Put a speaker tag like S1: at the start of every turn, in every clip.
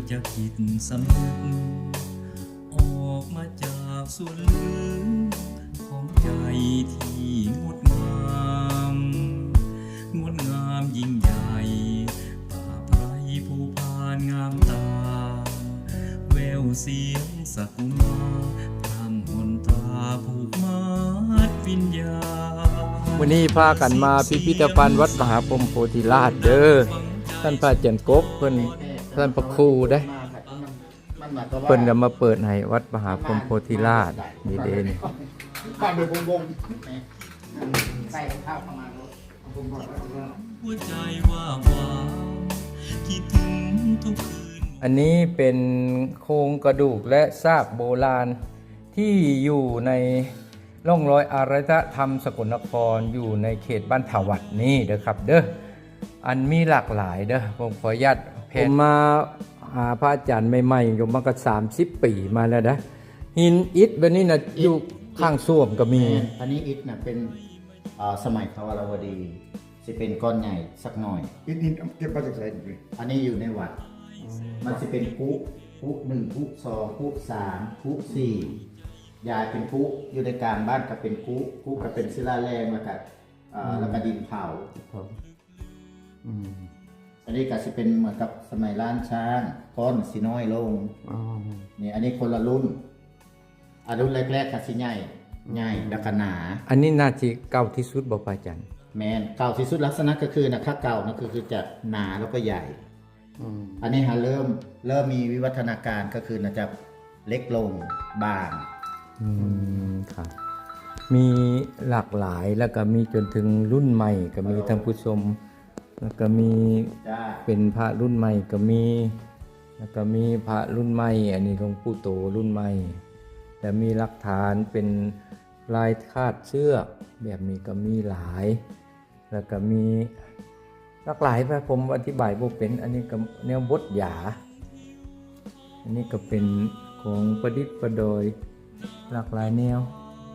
S1: จะคิดสำนึกออกมาจากส่วนลึกของใจที่งดงามงดงามยิ่งใหญ่ป่าไพรภูพานงามตาแววเสียงสกุมาพรำหนตราผูกมัดวิญญาณ
S2: วันนี้พากันมาพิพิธภัณฑ์วัดมหาพรหมโพธิราชเด้อท่านพระอาจารย์กบเพิ่นท่านพระครูได้เพิ่นก็มาเปิดให้วัดมหาพรหมโพธิราชนี่เด้นี่
S3: บ้านเดือบวงใส่ข้าวประมาณรถผมบอกว่า
S1: หัวใจว่างวางคิดถึงทุกคืน
S2: อันนี้เป็นโครงกระดูกและซากโบราณที่อยู่ในร่องรอยอารยธรรมสกลนครอยู่ในเขตบ้านถาวัดนี่เด้อครับเด้ออันมีหลากหลายเด้อผมขออนุญาตผมมาหาพระอาจารย์ใหม่ๆอยู่มาก็30 ปีมาแล้วนะหินอิฐแบบนี้นะอยู่ข้างส้วมก็มี
S3: อันนี้อิฐน่ะเป็นสมัยทวารวดีจะเป็นก้อนใหญ่สักหน่อย
S4: อินเก็บมาจากไหนดิ
S3: อันนี้อยู่ในวัด มันจะเป็นพุหนึ่งพุสองพุสามพุสี่ยายเป็นพุอยู่ในกลางบ้านก็เป็นพุก็เป็นศิลาแรงแล้วก็ดินเผาอันนี้ก็จะเป็นเหมือนกับสมัยล้านช้างก้อนสีน้อยลงนี่อันนี้คนละรุ่นรุ่นแรกๆก็สิใหญ่แล้วก็หนา
S2: อันนี้น่าจะเก่าที่สุดบ่พระอาจารย์
S3: แมนเก่าที่สุดลักษณะก็คือถ้าเก่านะคือจะหนาแล้วก็ใหญ่อันนี้เริ่มมีวิวัฒนาการก็คือจะเล็กลงบาง
S2: ครับมีหลากหลายแล้วก็มีจนถึงรุ่นใหม่ก็มีท่านผู้ชมแล้วก็มี
S3: จ้า
S2: เป็นพระรุ่นใหม่ก็มีแล้วก็มีพระรุ่นใหม่อันนี้หลวงปู่โตรุ่นใหม่แต่มีหลักฐานเป็นลายคาดเชือกแบบนี้ก็มีหลายแล้วก็มีหลากหลายไปผมอธิบายบ่เป็นอันนี้ก็แนวบทหยาอันนี้ก็เป็นของประดิษฐ์ประดอยหลากหลายแนว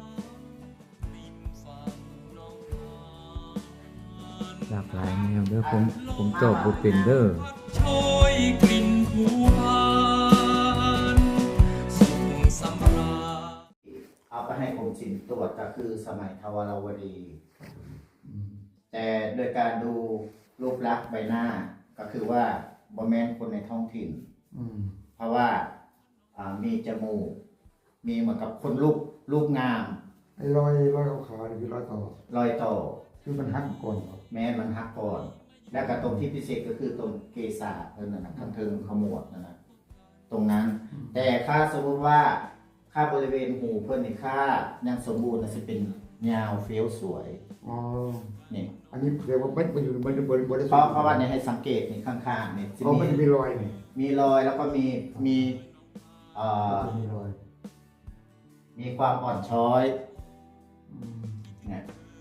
S2: หลากหลายแนวเด้อผมจบบ่เป็นเด้อ
S1: โชยกลิ่นผูพานส่งสำราญ
S3: เอาไปให้กรมศิลป์ตรวจก็คือสมัยทวารวดีแต่โดยการดูรูปลักษณ์ใบหน้าก็คือว่าบอแมนคนในท้องถิ่นเพราะว่ามีจมูกมีเหมือนกับคนรูปงาม
S4: ไอ้รอยขาวๆนี่คือรอยต่อ
S3: รอยต่อ
S4: คือมันหักก่อนครับ
S3: แม้มันหักก่อน และก็ตรงที่พิเศษก็คือตรงเกศานั่นนะข้างเทิงขมวดนั่นนะตรงนั้น แต่ถ้าสมมติว่าค่าบริเวณหูเพื่อนในค่ายังสมบูรณ์จะเป็นยาวเฟี้ยวสวย
S4: อ๋อ
S3: นี่
S4: อันนี้เรียกว่ามันอยู่มันบริ
S3: เพราะว่าเนี่ยให้สังเกตนี่ข้างๆเนี่ยจะ
S4: มันจะมีรอยนี่
S3: มีรอยแล้วก็มี
S4: มีรอย
S3: มีความอ่อนช้อยเนี่ย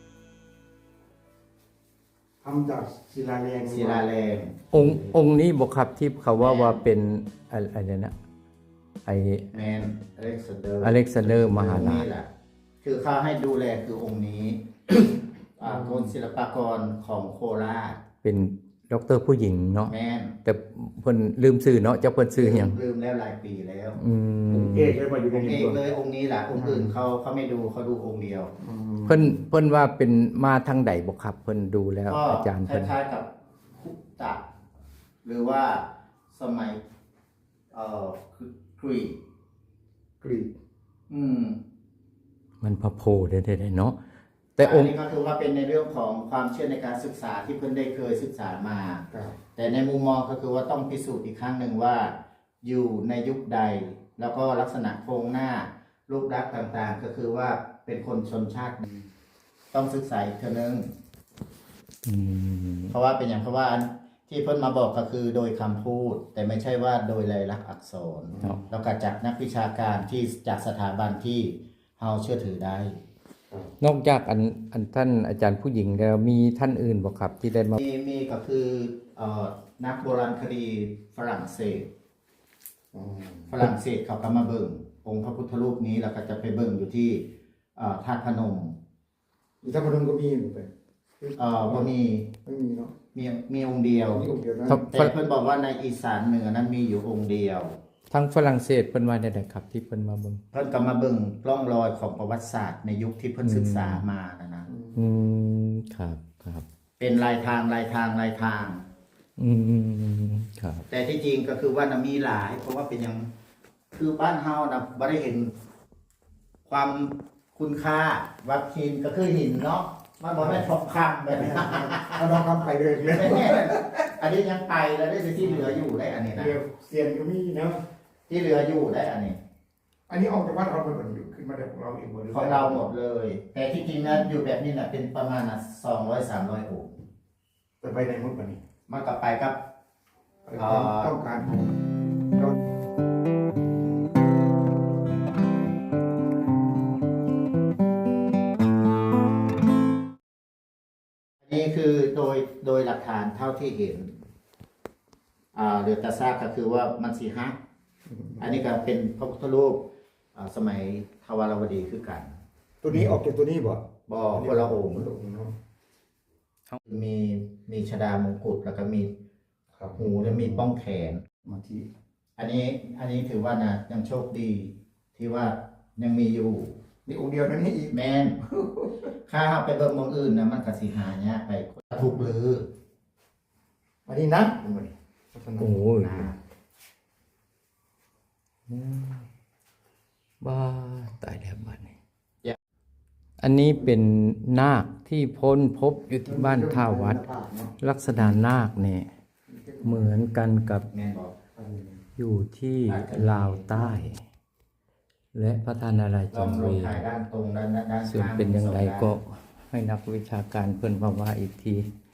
S4: ทำจากศิลาแรง
S3: ศิลาแรง
S2: องค์นี้บอกครับที่เขาว่าเป็นอะไรนะไอ
S3: แมนอเล็กซานเดอร์
S2: อเล็กซานเดอร์มหาราช
S3: แหละคือเขาให้ดูแลคือองค์นี้ กรมศิลปากรของโคราช
S2: เป็นด็อกเตอร์ผู้หญิงเนาะ
S3: แมน
S2: แต่เพิ่นลืมชื่อเนาะเจ้าเพิ่นชื่อหยัง
S3: ลืมแล้วหลายปีแล้ว
S4: เอกเลยมาอยู่ใน
S3: องค์
S4: นี้
S3: เอกเลยองค์นี้แหละองค์อื่นเขาไม่ดูเขาดูองค์เดียว
S2: เพิ่นว่าเป็นมาทางใดบ่ครับเพิ่นดูแล้ว
S3: ก็
S2: อาจารย์
S3: ค
S2: เพิ่น
S3: ล้ายๆกับคุตตะหรือว่าสมัยกรีก
S4: กรีก
S2: มันพระโพธิ์ได้เนาะแต่องค์
S3: นี้ก็คือว่าเป็นในเรื่องของความเชื่อในการศึกษาที่เพิ่นได้เคยศึกษามา
S4: ครับ
S3: แต่ในมุมมองก็คือว่าต้องพิสูจน์อีกครั้งหนึ่งว่าอยู่ในยุคใด แล้วก็ลักษณะโครงหน้ารูปลักษณ์ต่างๆ ก็คือว่าเป็นคนชนชาติใดต้องศึกษาอีกเท่านึงเพราะว่าเป็นอย่างเพราะว่าที่เพิ่นมาบอกก็คือโดยคำพูด แต่ไม่ใช่ว่าโดยลายลักษณ์อักษรแล้วก็จากนักวิชาการที่จากสถาบันที่เราเชื่อถือได้
S2: นอกจากอันท่านอาจารย์ผู้หญิงแล้วมีท่านอื่นบ่ครับที่ได้มา
S3: มีก็คือนักโบราณคดีฝรั่งเศสเขาก็มาเบิ่งองค์พระพุทธรูปนี้แล้วก็จะไปเบิ่งอยู่ที่ธาตุพนม
S4: อีกท่านพนมก็มีเหมือนกัน
S3: บ่มี
S4: ไม่มีเนาะ
S3: มีองค์เดียว
S4: มีองค์เดียวนะ
S3: แต่เพิ่นบอกว่าในอีสานเหนือนั้นมีอยู่องค์เดียว
S2: ทางฝรั่งเศสเพิ่นว่าได้ครับ ที่เพิ่นมาเบิ่ง
S3: เพิ่นก็มาเบิ่งร่องรอยของประวัติศาสตร์ในยุคที่เพิ่นศึกษามานะ
S2: อืมครับครับ
S3: เป็นลายทาง
S2: อืมครับ
S3: แต่ที่จริงก็คือว่านะมีหลาย เพราะว่าเป็นหยังคือบ้านเฮานะบ่ได้เห็นความคุณค่าวัดหินก็คือหินเนาะมันบ่แม่นทองคำแบบนี้
S4: เอาน้องคำไปเลยเลย
S3: ไม่แน่อันนี้ยังไปแล้วได้ที่เหลืออยู่ได้อันนี้นะ
S4: เรือเซียนก็มีเนาะ
S3: ที่เหลืออยู่ได้อันนี้
S4: อันนี้ออกจากบ้านเราเป็นคนอยู่ขึ้นมาจากของเราเองหมดเลย
S3: ของเราหมดเลย แต่ที่จริงนะอยู่แบบนี้นะเป็นประมาณนะ200-300องค์
S4: แต่ไปในมุดปะนี่
S3: มันก็ไปกับ
S4: ต้องการของเรา
S3: อันนี้คือโดยหลักฐานเท่าที่เห็นเรือตาซากก็คือว่ามันสีฮักอันนี้ก็เป็นพระพุทธรูปสมัยทวารวดีคือกัน
S4: ตัวนี้ออกจากตัวนี้บ่
S3: บ่คนละองค์
S4: คนละองค์เนาะ
S3: มีชดามงกุฎแล้วก็มี
S4: ครับ
S3: หูและมีป้องแขน
S4: มาที่
S3: อันนี้ถือว่านะยังโชคดีที่ว่ายังมีอยู่
S4: นี่องค์เดียวนั่นนี่อีก
S3: แม่น ค่าไปเบิ่งหมองอื่นนะมันก็สิหายากไปถูกลือ
S4: อันนี้นะดูมาดิ
S2: โอ้ย
S3: นะ
S2: บ้าตายแล้วบ้านนี้อันนี้เป็นนาคที่พ้นพบอยู่ที่บ้านท่าวัด ลักษณะนาคเนี่ยเหมือนกันกับ
S3: แม่นบอก
S2: อยู่ที่ลาวใต้ และพระธานารา
S3: ล
S2: จั
S3: อง
S2: ง
S3: ล
S2: เว
S3: งถ่ายด้านตรงด้าน
S2: ส่วนเป็นอย่างไรก็ให้นักวิชาการเพิ่นมาว่าอีกที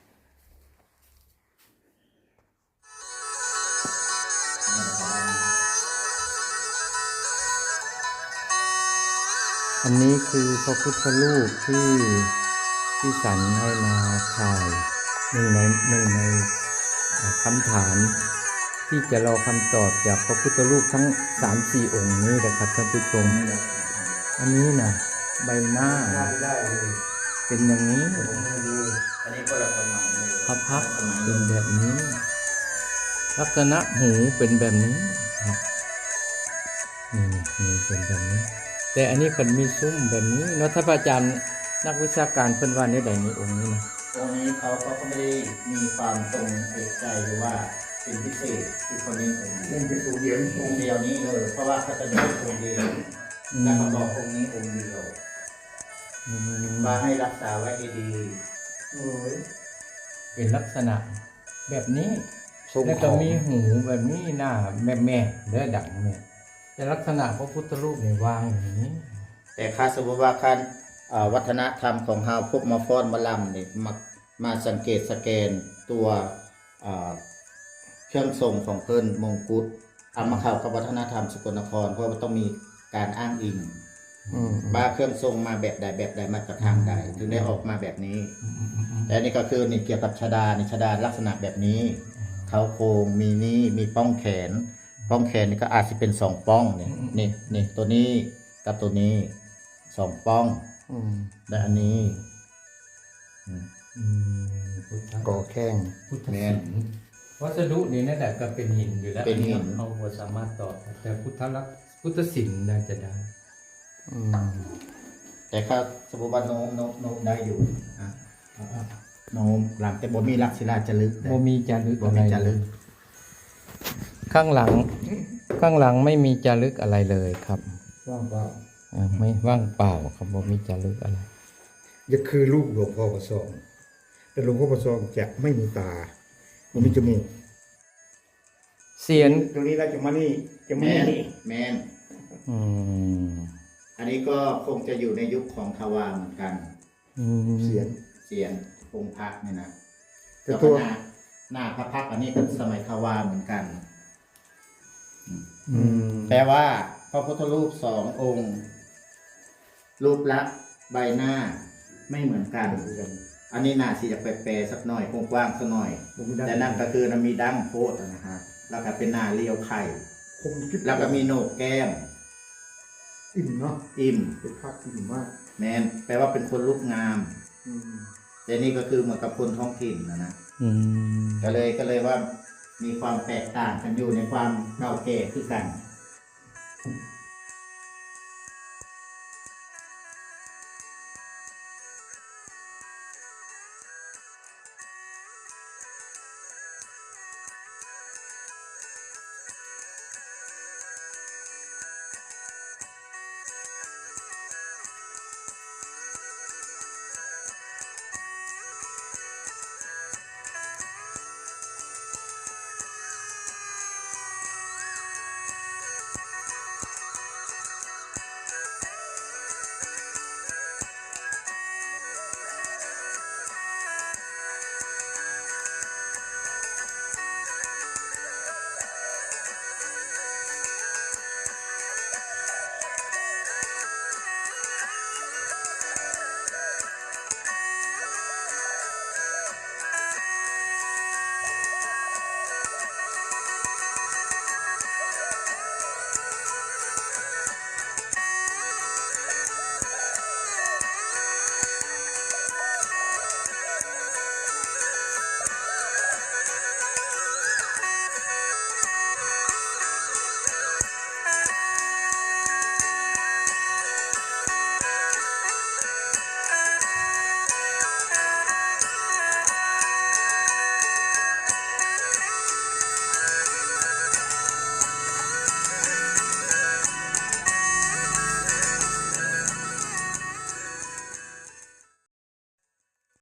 S2: อันนี้คือพระพุทธรูปที่สันให้มาถ่ายหนึ่งในคำถามที่จะรอคำตอบจากพระพุทธรูปทั้ง 3-4 องค์นี้นะครับท่านผู้ชม อันนี้นะใบหน้า
S4: ได้เลย
S2: เป็นอย่างนี้
S3: อันนี้ก็ละสมัยเลย
S2: พระพักตร์
S3: สมัย
S2: เป็นแบบนี้ ลักษณะหูเป็นแบบนี้ครับนี่หูเป็นแบบนี้ แต่อันนี้คนมีซุ้มแบบนี้เนาะถ้าพระอาจารย์นักวิชาการเพิ่นว่าในใดในองค์นี้นะ
S3: ตรงนี้เขาก็ไม่ได้มีความตรงเอกใจหรือว่าเป็นพิเศษคือคนนี้องค์
S4: เล่นเป็นตัวเดียวนี่
S3: องค์เดียวนี้เลย เพราะว่าเขาจะมีองค์เดียวแล้วเขาบอกองค์นี้องค์เดียว
S2: อืม
S3: มาให้รักษาไว้ให้ดี
S4: โอ้ย
S2: เป็นลักษณะแบบนี้
S4: ทรง
S2: แล้ว
S4: ข
S2: ก็
S4: อง
S2: มีหูแบบนี้หน้าแม่เด้อดังเนี่ยแต่ลักษณะพระพุทธรูปเนี่ยวางอย่างนี้
S3: แต่ค่าสมมติว่าการวัฒนธรรมของเฮาพวกมาฟ้อนมาลำเนี่ยมาสังเกตสแกนตัวเครื่องทรงของเพิ่นมงกุฎเอามาเข้ากับวัฒนธรรมสกลนครเพราะว่าต้องมีการอ้างอิงว่าเครื่องทรงมาแบบใดมาจากทางใดถึงได้ออกมาแบบนี้ แต่อันนี่ก็คือนี่เกี่ยวกับชดานี่ชดาลักษณะแบบนี้เขาโครงมีนี่มีป้องแขนนี่ก็อาจจะเป็น2ป้องเนี่ยนี่ตัวนี้กับตัวนี้2ป้องและอันนี้
S4: ก่อแข้ง
S2: พุทธศิลป์วัสดุนี่นั่นแหละก็เป็นหินอยู่แล้ว
S3: เป็นหิน
S2: เอาหัวสามารถตอบแต่พุทธศิลป์น่าจะได้
S3: แต่ถ้าสมมติว่าโน้มได้อยู่โน้มหลังแต่บ่มีลักษิลาจารึก
S2: โมมีจารึก
S3: บ่
S2: อะไร
S3: มีจารึก
S2: ข้างหลังไม่มีจารึกอะไรเลยครับ
S4: ว่างเปล่า
S2: ไม่ว่างเปล่าครับโมมีจารึกอะไร
S4: อย่าคือลูกหลวงพ่อประสองแต่หลวงพ่อประสองจะไม่มีตาไม่มีจมูก
S2: เสียน
S4: ตรงนี้เราจะมานี่จะมา
S3: แม่น
S4: นี่
S3: แม่น
S2: อืม
S3: อันนี้ก็คงจะอยู่ในยุคของทวารเหมือนกัน
S4: เสียง
S3: เสียงองค์พระเนี่ยนะ
S4: แต่
S3: แล้ว
S4: ตั
S3: ก็
S4: ว
S3: หน้าพระพักตร์อันนี้ก็สมัยทวารเหมือนกัน
S2: อืม
S3: แปลว่าพระพุทธรูป2 องค์ รูปลักษณ์ใบหน้าไม่เหมือนกัน อันนี้น่าสิจะแปลสักหน่อยกว้างๆสักหน่อย แต่นั่นก็คือมีดั้งโพดนะฮะแล้วก็เป็นหน้าเรียวไข่
S4: คมกิ๊บ
S3: แล้วก็มีโหนกแก้ม
S4: อิ่มเนาะ
S3: อิ่ม
S4: เป็นภาคอิ่มมาก
S3: แมนแปลว่าเป็นคนรูปงาม
S4: อืม
S3: แต่นี่ก็คือเหมือนกับคนท้องถิ่นนะ
S2: อืม
S3: ก็เลยว่ามีความแตกต่างกันอยู่ในความเก่าแก่คือกัน